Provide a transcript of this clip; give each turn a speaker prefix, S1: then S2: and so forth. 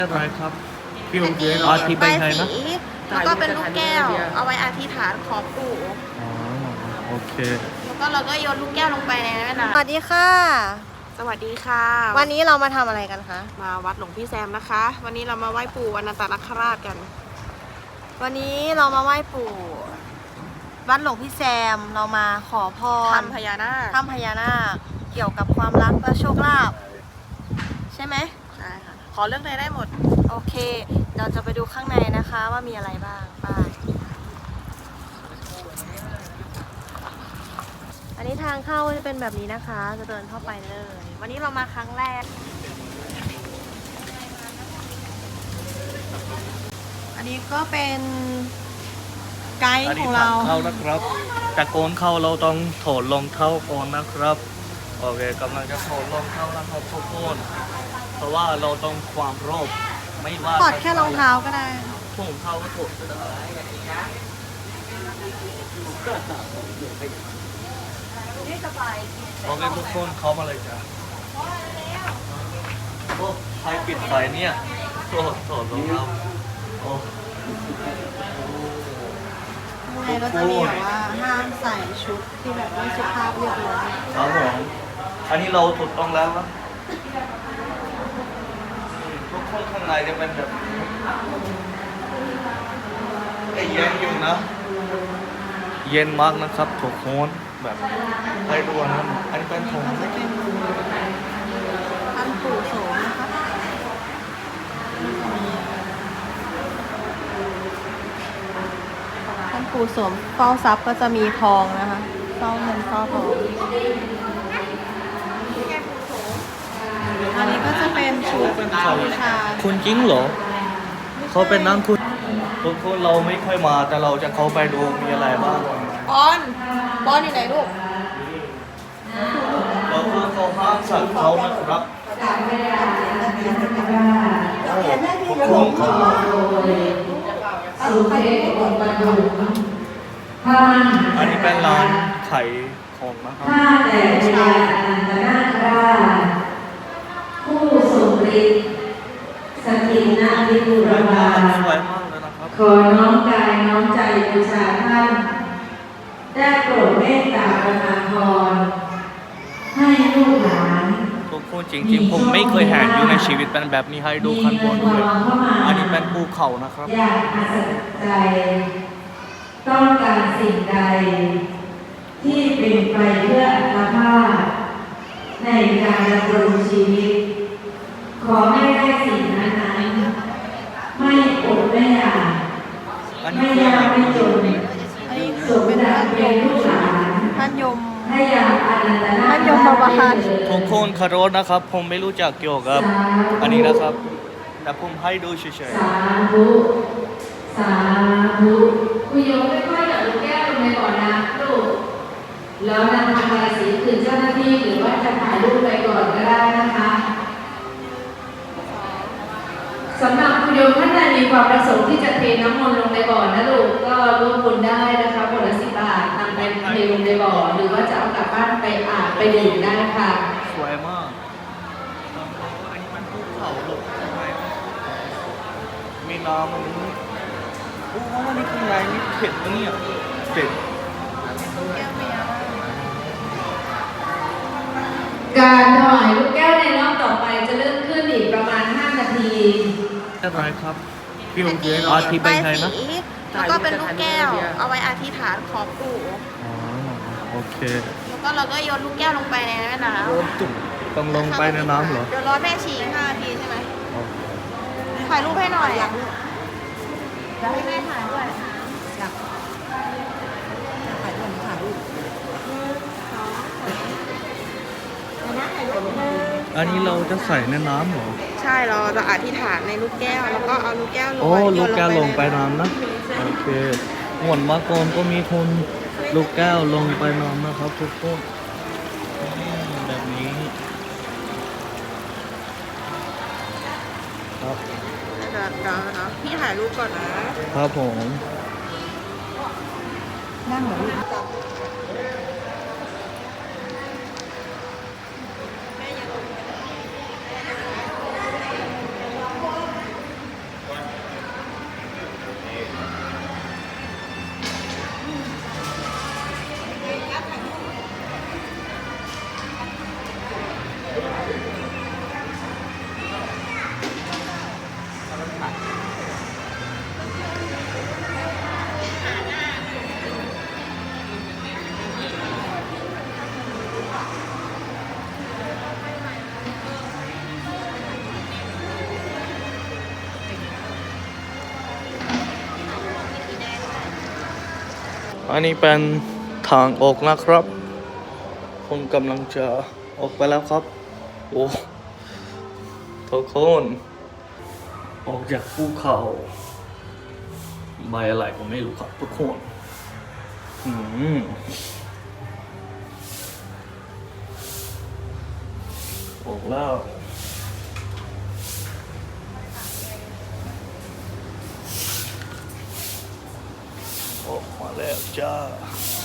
S1: อะไรครับพี่โอเค
S2: อัน
S1: อา
S2: นี้
S1: ทิไป
S2: ใบ
S1: ไทยนะ
S2: สีแล้วก็เป็นลูกแก้ว เอาไว้อธิษฐานขอปู่
S1: อ๋อโอเค
S2: แล้วก็เราก็โยนลูกแก้วลงไปในแม่น้ำสวัสดีค่ะ สวัสดีค่ะ วันนี้เรามาทำอะไรกันคะ มาวัดหลวงพี่แซมนะคะ วันนี้เรามาไหว้ปู่อนันตนาคราชกัน วันนี้เรามาไหว้ปู่วัดหลวงพี่แซมเรามาขอพรทำพญานาคเกี่ยวกับความรักและโชคลาภใช่ไหมใช่ค่ะขอเรื่องใดได้หมดโอเคเราจะไปดูข้างในนะคะว่ามีอะไรบ้างไปอันนี้ทางเข้าจะเป็นแบบนี้นะคะจะเดินเข้าไปเลย วันนี้เรามาครั้งแรกอันนี้ก็เป็นไกด์ของเรา
S1: เข้านะครับแต่โกนเข้าเราต้องถอดรองเท้าก่อนนะครับโอเคกำลังจะถอดรองเท้าแล้วครับทุกคนเพราะว่าเราต้องความรอบไม่ว่า
S2: ถอดแค่รองเท้าก็ได้
S1: ถุงเท้าก็ถอดก็ได้โอเคทุกคนเข้ามาเลยจ้ะโอ้ใครปิดไฟเนี่ยถอดรองเท้าโอ้
S2: ข้างในก็จะมีแบบว่าห้ามใส่ชุดที่แบบไม่สุภาพเรียบร้อย
S1: ครับผมอันนี้เราถูกต้องแล้วครับทุกคนข้างในจะเป็นแบบเย็นอยู่นะ เย็นมากนะครับทุกคนแบบให้ดูนะอันนี้เป็นผม
S2: ก็จะเป็นท่านปู่โสมนะคะท่านปู่โสมเฝ้าทรัพย์ก็จะมีทองนะคะเฝ้าเงินเฝ้าทองอันนี้ก็จะเป็นชุดบูชา
S1: คุณจริงเหรอเขาเป็นนั่งคุณทุกคนเราไม่ค่อยมาแต่เราจะเข้าไปดูมีอะไรบ้าง
S2: บอลอยู่ไหนลูก
S1: เราคือเขาห้ามสัตว์เขานะครับโอ้ทุกคนครับ อันนี้เป็นร้านขายของนะครับ
S3: ข้าแต่พระอนันตนาคราชผู้ทรงฤทธิ์สถิตณวิบูรบาล
S1: สวยมากเลยนะครับ
S3: ขอน้อมกายน้อมใจบูชาท่านได้โปรดเมตตาประทานพรให้ลูกหลาน
S1: ทุกคนจริงๆผมไม่เคยเห็นอยู่ในชีวิตเป็นแบบนี้ให้ดูขั้นบนด้วยอันนี้เป็นภูเขานะครับ
S3: อยากอัศจรรย์ใจ ต้องการสิ่งใด ที่เป็นไปเพื่ออัตภาพในการดำรงชีวิต ขอให้ได้สิ่งนั้นๆไม่อดไม่อยาก
S1: อัน
S3: ไม่
S1: นี้
S3: ยากไม่จน
S2: อันนี้
S3: สมดังเป็นลูกหลาน
S2: ท่านยม
S3: ให้ยามอนันตนา
S2: ท่านยมบาล
S1: ทุกคนคารพนะครับ ผมไม่รู้จักเกี่ยวกับ อันนี้นะครับ แต่ผมให้ดูเฉย
S3: สาธุสาธุคุยโยมค่อยๆหยอดลูกแก้วลงไปก่อนนะลูกแล้วนำทำลายสีคืนเจ้าหน้าที่หรือว่าจะถ่ายรูปไปก่อนก็ได้นะคะสำหรับคุณโยมท่านใดมีความประสงค์ที่จะเทน้ำมนต์ลงในบ่อนะลูกก็ร่วมบุญได้นะคะบทละ10 บาทนำไปเทลงในบ่อหรือว่าจะเอากลับบ้านไปอาบไปดื่มได้ค่ะ
S1: ๆสวยมากอันนี้มันภูเขาหลบใช่ไหมมีน้ำมันโอ้โหนี่ข้างในนี่เผ็ดนะเนี่ยเผ็ด
S3: การถวายลูกแก้วในรอบต่อไปจะเริ่มขึ้นอีกประมาณ5 นาที
S1: อะไรครับพี่โอเค
S2: อั
S1: อาทิ
S2: น
S1: ไป
S2: นี้
S1: ไท
S2: ใบ
S1: ยนะ
S2: สีแล้วก็เป็นลูกแก้ว เอาไว้อธิษฐานขอปู่
S1: อ๋อโอเค
S2: แล้วก็เราก็โยนลูกแก้วลงไปในแม่น้ำ
S1: โดนจุ่มต้องลงไปในน้ำเหรอ
S2: เดี๋ยวรอแม่ชี5 นาทีใช่ไหม
S1: โอเค
S2: ถ่ายรูปให้หน่อยอยากให้แม่ถ่ายด้วย
S1: อันนี้เราจะใส่ในน้ำเหรอ
S2: ใช่เราจะอธิษฐานในลูกแก้วแล้วก็เอาลูกแก้วลง
S1: โอ้
S2: โย
S1: ลู
S2: น
S1: กแก้วลงไป
S2: ใน
S1: น้ำนะ โอเคหวนมาก่อนก็มีคนลูกแก้วลงไปน้ำนะครับทุกคนแบบนี้ ครับ
S2: เดี๋ยวพี่ถ่ายรูปก่อนนะครับ
S1: ผม
S2: นั่งเหรอลูก
S1: อันนี้เป็นทางออกนะครับผมกำลังจะออกไปแล้วครับโอ้ทุกคนออกจากภูเขาใบอะไรผมไม่รู้ครับทุกคนออกแล้วออกมาแล้วจ้า